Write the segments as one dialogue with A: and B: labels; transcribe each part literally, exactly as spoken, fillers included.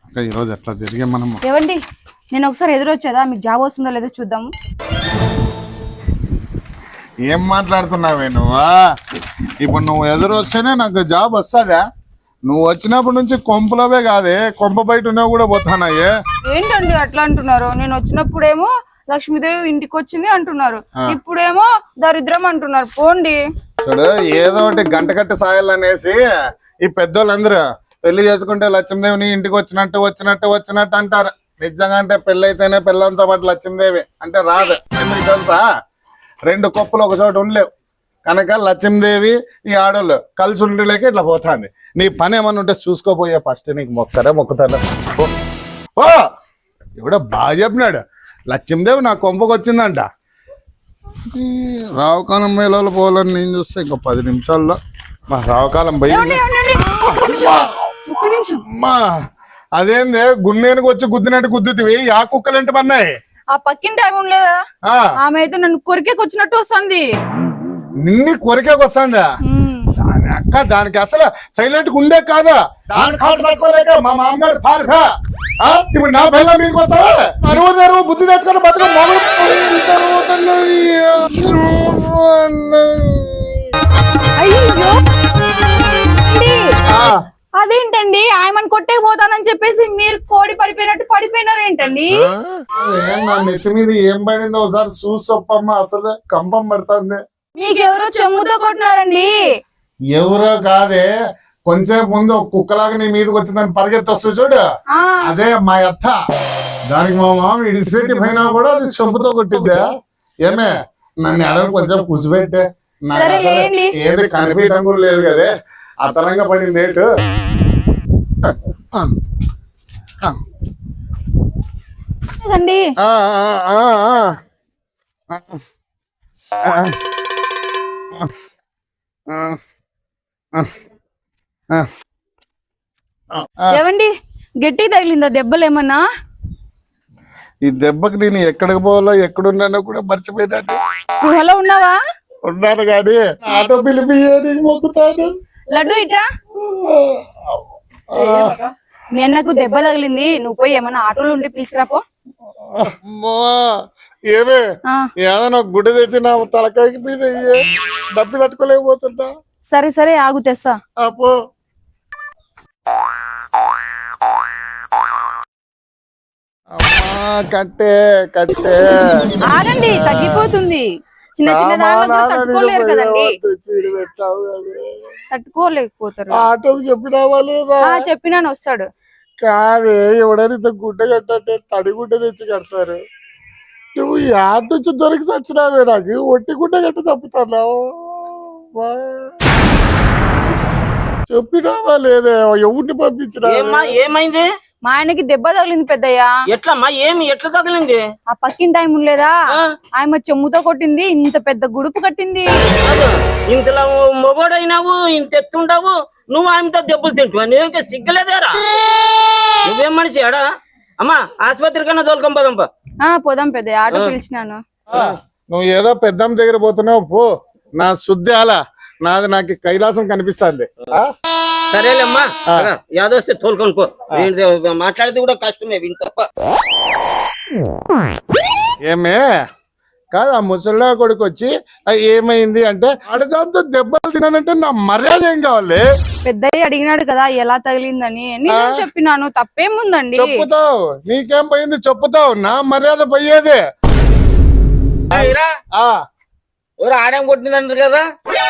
A: ఈరోజు ఎట్లా తిరిగే మనం.
B: ఏవండి నేను ఒకసారి ఎదురొచ్చేదా మీకు జాబ్ వస్తుందో లేదో చూద్దాము.
A: ఏం మాట్లాడుతున్నావే నువ్వా? ఇప్పుడు నువ్వు ఎదురు వస్తేనే నాకు జాబ్ వస్తుందా? నువ్వు వచ్చినప్పటి నుంచి కొంపలవే కాదే, కొంప బయట ఉన్నావు కూడా పోతానాయే.
B: ఏంటండి అట్లా అంటున్నారు? నేను వచ్చినప్పుడేమో లక్ష్మీదేవి ఇంటికి వచ్చింది అంటున్నారు, ఇప్పుడేమో దరిద్రం అంటున్నారు. పోండి.
A: చూడు, ఏదో ఒకటి గంట కట్టి సాయాలనేసి ఈ పెద్దోళ్ళందరూ పెళ్లి చేసుకుంటే లక్ష్మీదేవిని ఇంటికి వచ్చినట్టు వచ్చినట్టు వచ్చినట్టు అంటారు. నిజంగా అంటే పెళ్లి అయితేనే పిల్లలతో పాటు లక్ష్మీదేవి అంటే రాదు. ఎందుకు తెలుసా? రెండు కొప్పులు ఒక చోట ఉండలేవు కనుక లక్ష్మీదేవి ఈ ఆడోళ్ళు కలిసి ఉండలేక ఇట్లా పోతాంది. నీ పని ఏమన్నా ఉంటే చూసుకోపోయే ఫస్ట్ నీకు మొక్కరే మొక్కుతాను. ఓ ఎవడో బాగా చెప్పినాడు, లక్ష్మీదేవి నా కొంపకు వచ్చిందంట. రావుకాలం మేళలు పోవాలని నేను చూస్తే ఇంకో పది నిమిషాల్లో మా రావుకాలం పోయింది. అమ్మా అదేందే గున్నేనికి వచ్చి గుద్దినట్టు గుద్దుతివి, ఆ కుక్కలు ఏంటి పన్నాయి?
B: ఆ పక్కింటి ఆమె ఉండలేదా, ఆమె అయితే నన్ను కొరికేకి వచ్చినట్టు వస్తుంది.
A: నిన్ని కొరికేకి వస్తుందా? దాని అక్క దానికి అసలు సైలెంట్ గా ఉండే కాదా? మా మామగారు పారిపా ఇప్పుడు నా పిల్ల మీకు వస్తావా? అరువు బుద్ధి తెచ్చుకొని బతుక
B: అదేంటండి ఆయమని కొట్టే పోతానని చెప్పేసి మీరు కోడి పడిపోయినట్టు పడిపోయినారు ఏంటండి?
A: నా నెత్తి మీద ఏం పడిందో ఒకసారి చూసొప్పమ్మా, అసలు కంపం పడుతుంది.
B: మీకెవరో చెమ్ముతో కొట్టినారండి.
A: ఎవరో కాదే, కొంచెం ముందు కుక్కలాగా నీ మీదకి వచ్చిందని పరిగెత్తొస్తు చూడు, అదే మా అత్త. దానికి మా మామ ఇడిసిపెట్టి పోయినా కూడా అది చెంపుతో కొట్టిద్దా? ఏమే నన్ను ఎడని కొంచెం కూసిపెట్టే, నాకు అసలు ఏది కనిపించడం కూడా లేదు కదే, అతనంగా పడింది ఏటు.
B: ఏవండి గట్టి తగిలిందా దెబ్బలు ఏమన్నా?
A: ఈ దెబ్బకి నేను ఎక్కడికి పోవాలో ఎక్కడున్నానో కూడా మర్చిపోయినాను.
B: స్పృహలో ఉన్నావా?
A: ఉన్నాను కానీ ఆటో పిలిపి మొక్కుతాను.
B: లడ్డు ఇట్రా. మీ అన్నకు దెబ్బ తగిలింది, నువ్వు పోయి ఏమన్నా ఆటోలు ఉంటే పిలుచుకురాపో.
A: ఏమే ఏదైనా గుడ్డ తెచ్చి నా తలకాయకి మీద డబ్బు తట్టుకోలేకపోతున్నా.
B: సరే సరే ఆగు తెస్తా.
A: అపో అమ్మా కట్టే కట్టే
B: ఆగండి, తగ్గిపోతుంది. చిన్న చిన్న దాంట్లో తట్టుకోలేరు కదండి, తట్టుకోలేకపోతారు.
A: ఆటోకి చెప్పినావా లేదా?
B: చెప్పినాను, వస్తాడు.
A: కాదే ఎవడైనా ఇంత గుడ్డ కట్టంటే తడి గుడ్డ తెచ్చి కడతారు. నువ్వు ఈ ఆట నుంచి దొరికి చచ్చినావే, నాకు ఒట్టి గుడ్డ కట్ట చంపుతున్నావు. చెప్పినావా లేదా? ఎవరిని పంపించినా?
C: ఏమైంది?
B: మా ఆయనకి దెబ్బ తగిలింది పెద్దయ్యా.
C: ఎట్లమ్మా? ఏమి ఎట్లా తగిలింది?
B: ఆ పక్కిన టైం ఉండలేదా, ఆయన చెమ్ముతో కొట్టింది, ఇంత పెద్ద గుడుపు కట్టింది.
C: ఇంతలో మొగోడైనావు, ఇంత ఎత్తుండవు, నువ్వు ఆయనతో దెబ్బలు తింటున్నావు. నువ్వేంక సిగ్గులేదేరా? నువ్వేం మనిషి ఆడా? అమ్మా ఆసుపత్రి కన్నా తోలుకొని పోదాంపా.
B: పోదాం పెద్దయ్య, ఆటో పిలిచినాను.
A: నువ్వు ఏదో పెద్దమ్మ దగ్గర పోతున్నావు పో, నా శుద్ధి అలా నాది నాకు కైలాసం కనిపిస్తుంది.
C: సరేలేమ్మా, యాదొస్తే తోలుకొని పో. మాట్లాడితే కూడా కష్టమే విని తప్ప.
A: ఏమే కాదు, ఆ ముసలిలో కొడుకు వచ్చి ఏమైంది అంటే అడగంతో దెబ్బలు తినానంటే నా మర్యాద ఏం కావాలి?
B: పెద్దయ్య అడిగినాడు కదా ఎలా తగిలిందని, నేను చెప్పినాను, తప్పేముందండి.
A: చెప్పుతావు, నీకేం పోయింది చెప్పుతావు, నా మర్యాద పోయేదే.
C: ఎవరు ఆడేం కొట్టిందంటారు కదా?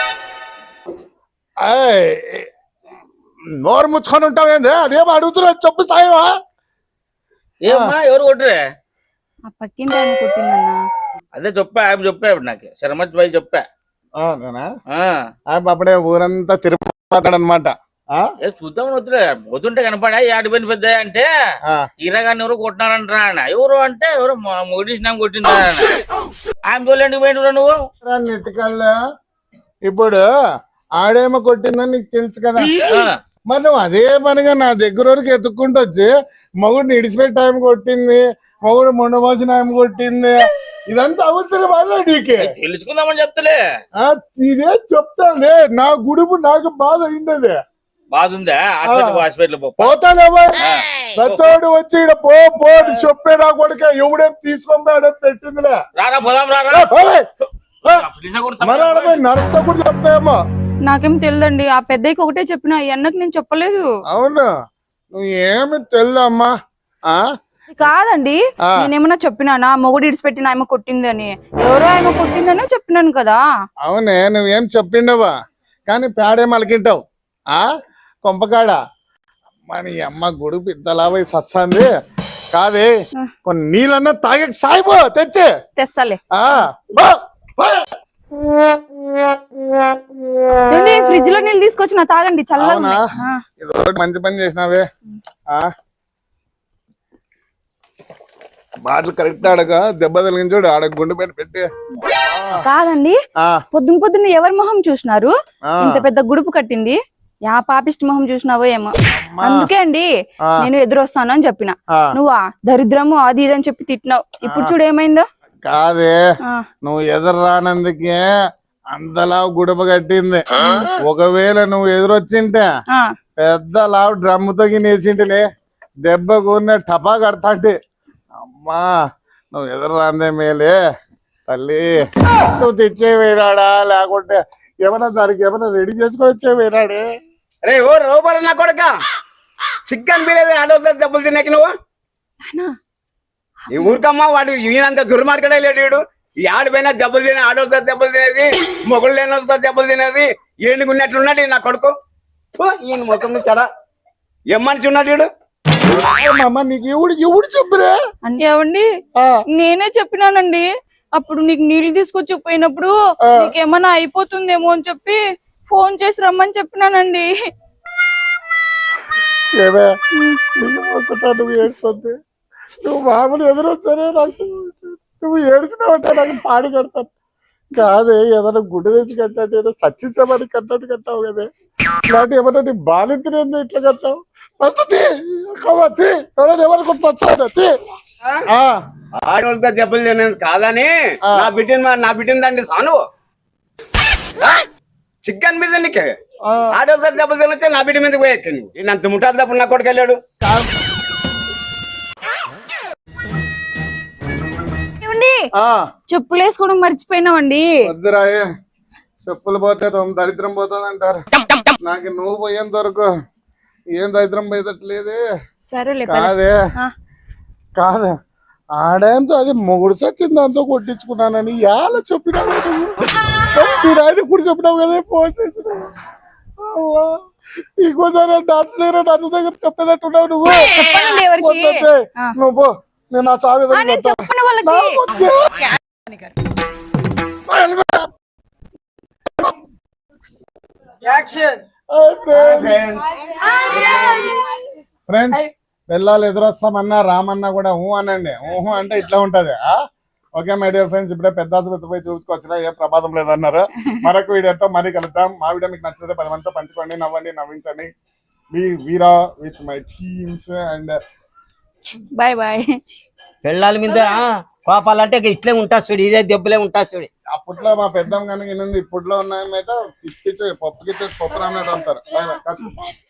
A: నోరు ముచ్చుకొని ఉంటావేంది? అదేం అడుగుతున్నా చెప్పు సాయవా?
C: ఏమమ్మా ఎవరు కొట్టరే?
B: ఆ పక్కింటి ఆయన కొట్టిందన్నా.
C: అదే చెప్పా, ఆయన చెప్పా నాకు శరమత్ భాయ్ చెప్పా.
A: అప్పుడే ఊరంతా తిరిగిపోతాడనమాట.
C: చూద్దాం వద్దులే, పోతుంటే కనపడా ఆడిపోయిన పెద్ద అంటే తీరగాన్ని ఎవరు కొట్టినారంటారా ఆయన. ఎవరు అంటే ఎవరు మొగిడిసినా కొట్టిందా ఆయన చూడండి పోయిండు నువ్వు
A: నెట్టుకల్లా. ఇప్పుడు ఆడేమో కొట్టిందని నీకు తెలుసు కదా, మరి నువ్వు అదే పనిగా నా దగ్గర వరకు ఎత్తుక్కుంటూ వచ్చి మగుడిని ఇడిచిపెట్టి టైం కొట్టింది, మగుడు మొండమోసిన టైం కొట్టింది, ఇదంతా అవసరం అదే నీకే?
C: తెలుసుకుందామని చెప్తలే.
A: ఇదే చెప్తాలే, నా గుడుపు నాకు బాధ అయింది.
D: బాగుందా హాస్పిటల్ హాస్పిటల్ పో
A: పోతానేమో పెద్దోడు వచ్చి ఈడ పో పోడు చెప్పే నా కొడుక ఎవడేం తీసుకొని పెట్టిందిలే
D: రారా పోదాం రారా
A: ఏ, పోలే. ఏ,
D: పులిస కొడతా.
A: మరి ఆడ పోయి నడుస్తా కూడా చెప్తాయేమో.
B: నాకేం తెలియదండి ఆ పెద్దయ్యకి ఒకటే చెప్పిన ఈ అన్నకి నేను చెప్పలేదు.
A: అవును నువ్వు ఏమి తెల్లమ్మా ఆ
B: కాదండి
A: ఆ.
B: నేనేమన్నా చెప్పినానా మొగుడు ఇడిచిపెట్టిన ఆమె కొట్టిందని? ఎవరో ఆమె కొట్టిందనే చెప్పినాను కదా.
A: అవునే నువ్వేం చెప్పిండవా కానీ పేడేం అలికింటావు ఆ కొంపకాడ మన అమ్మ గొడుగు పెద్దలాభై సస్తాంది కాదే కొన్ని నీళ్ళన్నా తాగే సాయిపో తెచ్చే
B: తెస్తాలే.
A: ఆ బా, బా.
B: ఫ్రిడ్జ్ లో నీళ్ళు తీసుకొచ్చిన తాగండి చల్లగా
A: అవునా
B: ఉన్నాయి. ఆ.
A: ఇది ఒకటి మంచి పని చేసినావే ఆ బాటలు కరెక్ట్ ఆడక దెబ్బ తగిలించి చూడు ఆడ గుండె పైన పెట్టి
B: కాదండి
A: ఆ
B: పొద్దున పొద్దున్న ఎవరి మొహం చూసినారు?
A: ఆ.
B: ఇంత పెద్ద గుడుపు కట్టింది యా పాపిష్టి మొహం చూసినావో ఏమో. అందుకే అండి
A: ఆ.
B: నేను ఎదురొస్తాను అని చెప్పిన.
A: ఆ.
B: నువ్వా దరిద్రము అది ఇది అని చెప్పి తిట్టినావు. ఇప్పుడు చూడు ఏమైందో.
A: కాదే
B: ఆ.
A: నువ్వు ఎదురు రానందుకే అంతలా గుడప కట్టింది. ఒకవేళ నువ్వు ఎదురొచ్చింటే
B: ఆ.
A: పెద్ద లావు డ్రమ్ముతో నేసింటినే దెబ్బ కూరిన టపా కడతాంటి. అమ్మా నువ్వు ఎదురు రాందే మేలే తల్లి. నువ్వు తెచ్చే వేరాడా లేకుంటే ఏమన్నా దానికి ఏమన్నా రెడీ చేసుకొని వచ్చే వేరాడే.
C: రే ఓ రూపాయలు నా కొడుక చికెన్ బిర్యానీ ఆడవుతా దెబ్బలు తిన్నాకి నువ్వు ఈ ఊరికమ్మా వాడు ఈయనంత దుర్మార్గడే లేడు వీడు. ఈ ఆడిపోయినా దెబ్బలు తినే ఆడవుతా దెబ్బలు తినేది మొగుడు లేని వాళ్ళతో దెబ్బలు తినేది ఏనుగున్నట్లున్నాడు ఈ నా కొడుకు. ఫు, ఈయన ముఖం చెడ ఏం మనిషి ఉన్నాడు వీడు.
A: అమ్మ నీకు ఎవడు ఎవడు చెప్పురే
B: అంటే ఏమండి
A: ఆ,
B: నేనే చెప్పినానండి అప్పుడు నీకు నీళ్లు తీసుకొచ్చి పోయినప్పుడు నీకేమన్నా అయిపోతుందేమో అని చెప్పి ఫోన్ చేసి రమ్మని చెప్పినానండి.
A: ఏమే నీకు ఒక్కటా నువ్వు ఏడ్చొద్దు. నువ్వు మామూలు ఎదురొచ్చానే నాకు నువ్వు ఏడ్చినావంటే నాకు పాడి కడతాను కాదే. ఏదైనా గుడ్డ తెచ్చి కట్టాడు ఏదో సచ్చిచ్చామని కట్టాడు కట్టావు కదే. ఇలాంటి ఏమన్నా నీ బాలింతనేందో ఇట్లా కట్టావు. ఫస్ట్ తీ కవ్వ తీ ఎవరైనా ఎవరికి చచ్చాడు తీ. ఆ,
C: ఆడవాళ్ళతో దెబ్బలు తినేది కాదని
A: ఆ.
C: నా బిడ్డని నా బిడ్డని తండ్రి సాను చికెన్ మీద నీకే
A: ఆ.
C: ఆడవాళ్ళతో దెబ్బలు తినొచ్చే నా బిడ్డ మీదకి పోయి ఈయనంత ముఠా దెబ్బలు నా కొడుకు వెళ్ళాడు.
B: ఏమండి
A: ఆ,
B: చెప్పులు వేసుకోవడం మర్చిపోయినామండి.
A: వద్దురాయే చెప్పులు పోతే తమ దరిద్రం పోతుంది అంటారు. నాకు నువ్వు పోయేంత వరకు ఏం దరిద్రం పోయేటట్లేదే.
B: సరేలే
A: కాదే
B: ఆ.
A: కాదా ఆడేంతో అది మొగుడు సచ్చింది దాంతో కొట్టించుకున్నానని ఎలా చెప్పినావు మీరు ఆయన కూడా చెప్పినావు కదా పోసేసిన. ఇంకోసారి డాక్టర్ దగ్గర డాక్టర్ దగ్గర చెప్పేటట్టున్నావు నువ్వు.
B: చెప్పనండి ఎవరికి.
A: వద్దొద్దే.
B: ఆ.
A: నువ్వు పో నేను నా చావి
B: ఆ, నేను చెప్పను వాళ్ళకి.
A: ఫ్రెండ్స్ పిల్లలు ఎదురొస్తామన్నా రామన్నా కూడా ఊహు అనండి. ఊహు అంటే ఇట్లా ఉంటది. ఆ ఓకే మై డియర్ ఫ్రెండ్స్ ఇప్పుడే పెద్ద ఆసుపత్రి పోయి చూసుకొచ్చినా ఏ ప్రమాదం లేదన్నారు. మరొక వీడియోతో మరీ కలుద్దాం. మా వీడియో మీకు నచ్చితే పది మందితో పంచుకోండి, నవ్వండి, నవ్వించండి. మీ Veera with my teams and
B: bye bye.
C: పెళ్ళాల మీద కోపాలంటే ఇట్లే ఉంటా చూడు, ఇదే దెబ్బలే ఉంటా చూడు.
A: అప్పట్లో మా పెద్దమ్మ కనుక ఇప్పట్లో ఉన్నాయమైతే పిచ్చి పప్పు గిచ్చేసి పప్పు రాన్నట్టు అంటారు.